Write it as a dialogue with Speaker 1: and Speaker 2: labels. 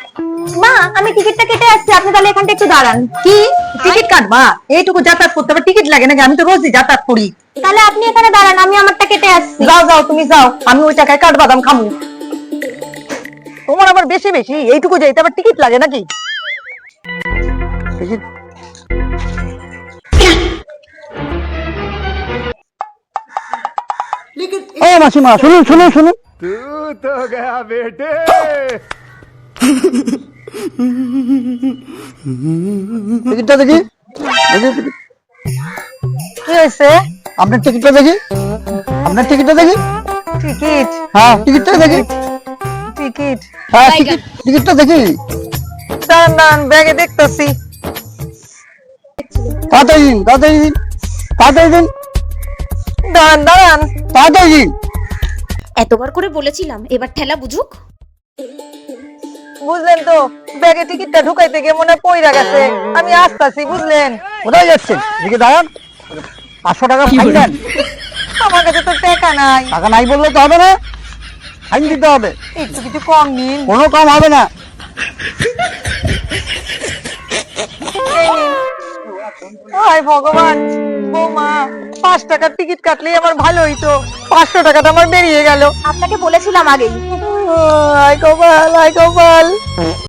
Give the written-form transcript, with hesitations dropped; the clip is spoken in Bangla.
Speaker 1: মা আমি টিকিটটা কেটে আসছি, আপনি তাহলে এখানটা একটু দাঁড়ান।
Speaker 2: কি টিকিট কাটবা? এইটুকু যাতায়াত করতে হবে টিকিট লাগে নাকি? আমি তো রোজই যাতায়াত করি।
Speaker 1: তাহলে আপনি এখানে দাঁড়ান, আমি আমারটা কেটে আসছি।
Speaker 2: যাও যাও তুমি যাও, আমি ওই টাকায় কাঠবাদাম খামু। তোমার আবার বেশি বেশি, এইটুকু যাইতে আবার টিকিট লাগে নাকি? টিকিট ও মাসিমা, শুনুন শুনুন শুনুন।
Speaker 3: तू तो गया बेटे।
Speaker 2: টিকিটটা দেখি, দেখি কি হয়েছে? আপনার টিকিটটা দেখি, আপনার টিকিটটা দেখি। টিকিট? হ্যাঁ টিকিটটা দেখি। টিকিট? হ্যাঁ টিকিট, টিকিটটা দেখি। দাঁড়ান দাঁড়ান, ব্যাগে দেখতেছি। তাড়াতাড়ি দিন, তাড়াতাড়ি দিন, তাড়াতাড়ি দিন। দাঁড়ান দাঁড়ান, তাড়াতাড়ি দিন।
Speaker 4: এতবার করে বলেছিলাম, এবার ঠেলা বুঝুক।
Speaker 2: বুঝলেন তো, ব্যাগে টিকিটটা ঢুকাইতে গিয়ে মনে হয় পইরা গেছে। আমি আসতাছি, বুঝলেন? কোথায় যাচ্ছেন? এদিকে দাঁড়ান। 500 টাকা ফাইন দেন। আমার কাছে তো টাকা নাই। টাকা নাই বললে তো হবে না, ফাইন দিতে হবে। একটু কিছু কম নিন। কোনো কম হবে না। এই নিন। হায় ভগবান, বৌমা 5 টাকার টিকিট কাটলেই আমার ভালো হইতো, 500 টাকাটা আমার বেরিয়ে গেল।
Speaker 1: আপনাকে বলেছিলাম আগেই।
Speaker 2: আয় কপাল, আয় কপাল।